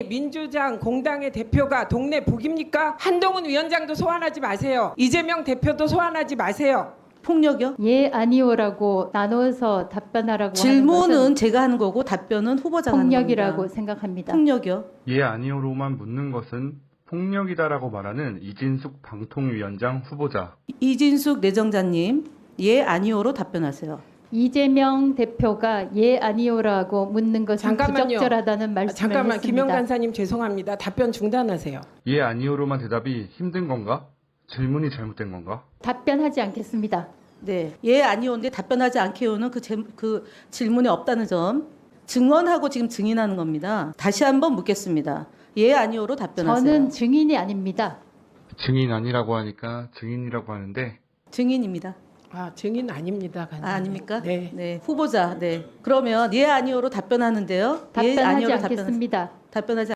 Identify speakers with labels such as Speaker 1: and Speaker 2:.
Speaker 1: 민주당 공당의 대표가 동네 북입니까? 한동훈 위원장도 소환하지 마세요. 이재명 대표도 소환하지 마세요.
Speaker 2: 폭력이요?
Speaker 3: 예, 아니오라고 나눠서 답변하라고 하는
Speaker 2: 질문은
Speaker 3: 것은
Speaker 2: 제가 하는 거고 답변은 후보자가 하는
Speaker 3: 폭력이라고
Speaker 2: 겁니다.
Speaker 3: 생각합니다.
Speaker 2: 폭력이요?
Speaker 4: 예 아니오로만 묻는 것은 폭력이다라고 말하는 이진숙 방통위원장 후보자.
Speaker 2: 이진숙 내정자님, 예, 아니오로 답변하세요.
Speaker 3: 이재명 대표가 예, 아니오라고 묻는 것은
Speaker 1: 잠깐만요.
Speaker 3: 부적절하다는 말씀을
Speaker 1: 잠깐만
Speaker 3: 했습니다.
Speaker 1: 김영 간사님 죄송합니다. 답변 중단하세요.
Speaker 4: 예 아니오로만 대답이 힘든 건가? 질문이 잘못된 건가?
Speaker 3: 답변하지 않겠습니다.
Speaker 2: 네, 예, 아니오인데 답변하지 않게요는 그 질문이 없다는 점 증언하고 지금 증인하는 겁니다. 다시 한번 묻겠습니다. 예, 아니오로 답변하세요.
Speaker 3: 저는 증인이 아닙니다.
Speaker 4: 증인 아니라고 하니까 증인이라고 하는데
Speaker 2: 증인입니다.
Speaker 1: 아 증인 아닙니다. 간사님.
Speaker 2: 아닙니까?
Speaker 1: 네.
Speaker 2: 후보자. 네. 그러면 예, 아니오로 답변하는데요. 예,
Speaker 3: 답변하지
Speaker 2: 아니오로
Speaker 3: 않겠습니다.
Speaker 2: 답변하지